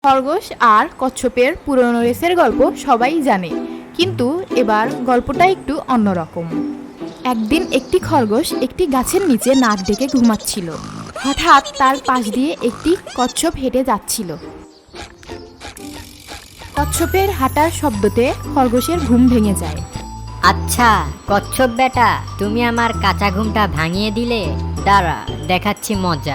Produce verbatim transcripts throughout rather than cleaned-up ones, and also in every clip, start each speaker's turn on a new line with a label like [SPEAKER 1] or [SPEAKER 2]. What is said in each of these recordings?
[SPEAKER 1] খরগোশ আর কচ্ছপের পুরনো রেসের গল্প সবাই জানে, কিন্তু এবার গল্পটা একটু অন্যরকম। একদিন একটি খরগোশ একটি গাছের নিচে নাক ডেকে ঘুমাচ্ছিল। হঠাৎ তার পাশ দিয়ে একটি কচ্ছপ হেঁটে যাচ্ছিল। কচ্ছপের হাঁটার শব্দতে খরগোশের ঘুম ভেঙে যায়।
[SPEAKER 2] আচ্ছা কচ্ছপ বেটা, তুমি আমার কাঁচা ঘুমটা ভাঙিয়ে দিলে। দাঁড়া, দেখাচ্ছি মজা।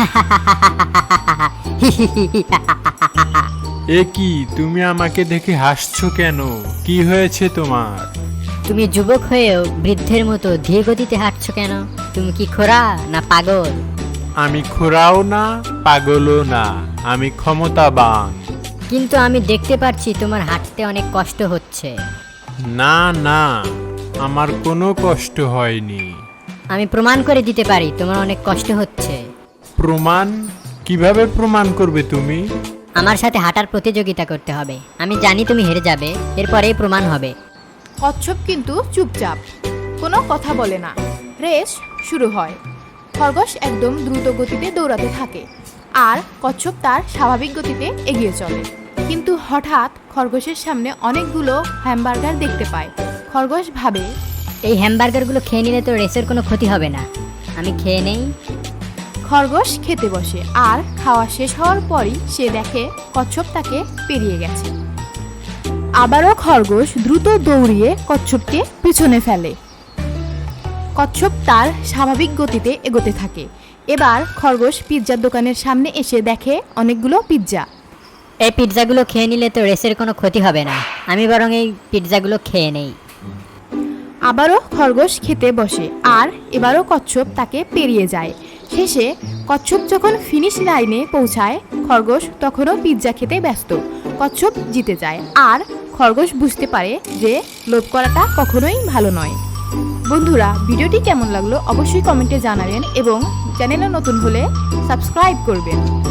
[SPEAKER 3] এ কি, তুমি আমাকে দেখে হাসছো কেন? কি হয়েছে তোমার?
[SPEAKER 2] তুমি যুবক হয়েও বৃদ্ধের মতো ধীর গতিতে হাঁটছো কেন? তুমি কি খোরা না পাগল?
[SPEAKER 3] আমি খোরাও না, পাগলও না, আমি ক্ষমতাবান।
[SPEAKER 2] কিন্তু আমি দেখতে পাচ্ছি তোমার হাঁটতে অনেক কষ্ট হচ্ছে।
[SPEAKER 3] না না, আমার কোনো কষ্ট হয়নি।
[SPEAKER 2] আমি প্রমাণ করে দিতে পারি তোমার অনেক কষ্ট হচ্ছে।
[SPEAKER 3] প্রমাণ? কিভাবে প্রমাণ করবে তুমি?
[SPEAKER 2] আমার সাথে হাঁটার প্রতিযোগিতা করতে হবে। আমি জানি তুমি হেরে যাবে, এরপরেই প্রমাণ হবে।
[SPEAKER 1] কচ্ছপ কিন্তু চুপচাপ, কোনো কথা বলে না। রেস শুরু হয়। খরগোশ একদম দ্রুত গতিতে দৌড়াতে থাকে, আর কচ্ছপ তার স্বাভাবিক গতিতে এগিয়ে চলে। কিন্তু হঠাৎ খরগোশের সামনে অনেকগুলো হ্যামবার্গার দেখতে পায়। খরগোশ ভাবে,
[SPEAKER 2] এই হ্যামবার্গারগুলো খেয়ে নিলে তো রেসের কোনো ক্ষতি হবে না। আমি খেয়ে নেই।
[SPEAKER 1] খরগোশ খেতে বসে, আর খাওয়া শেষ হওয়ার পরই সে দেখে কচ্ছপ তাকে পেরিয়ে গেছে। আবারও খরগোশ দ্রুত দৌড়িয়ে কচ্ছপকে পিছনে ফেলে। কচ্ছপ তার স্বাভাবিক গতিতে এগোতে থাকে। এবার খরগোশ পিৎজার দোকানের সামনে এসে দেখে অনেকগুলো পিৎজা।
[SPEAKER 2] এই পিৎজাগুলো খেয়ে নিলে তো রেসের কোনো ক্ষতি হবে না। আমি বরং এই পিৎজাগুলো খেয়ে নেই।
[SPEAKER 1] আবারও খরগোশ খেতে বসে, আর এবারও কচ্ছপ তাকে পেরিয়ে যায়। শেষে কচ্ছপ যখন ফিনিশ লাইনে পৌঁছায়, খরগোশ তখনও পিৎজা খেতে ব্যস্ত। কচ্ছপ জিতে যায়, আর খরগোশ বুঝতে পারে যে লোভ করাটা কখনোই ভালো নয়। বন্ধুরা, ভিডিওটি কেমন লাগলো অবশ্যই কমেন্টে জানাবেন, এবং চ্যানেলে নতুন হলে সাবস্ক্রাইব করবেন।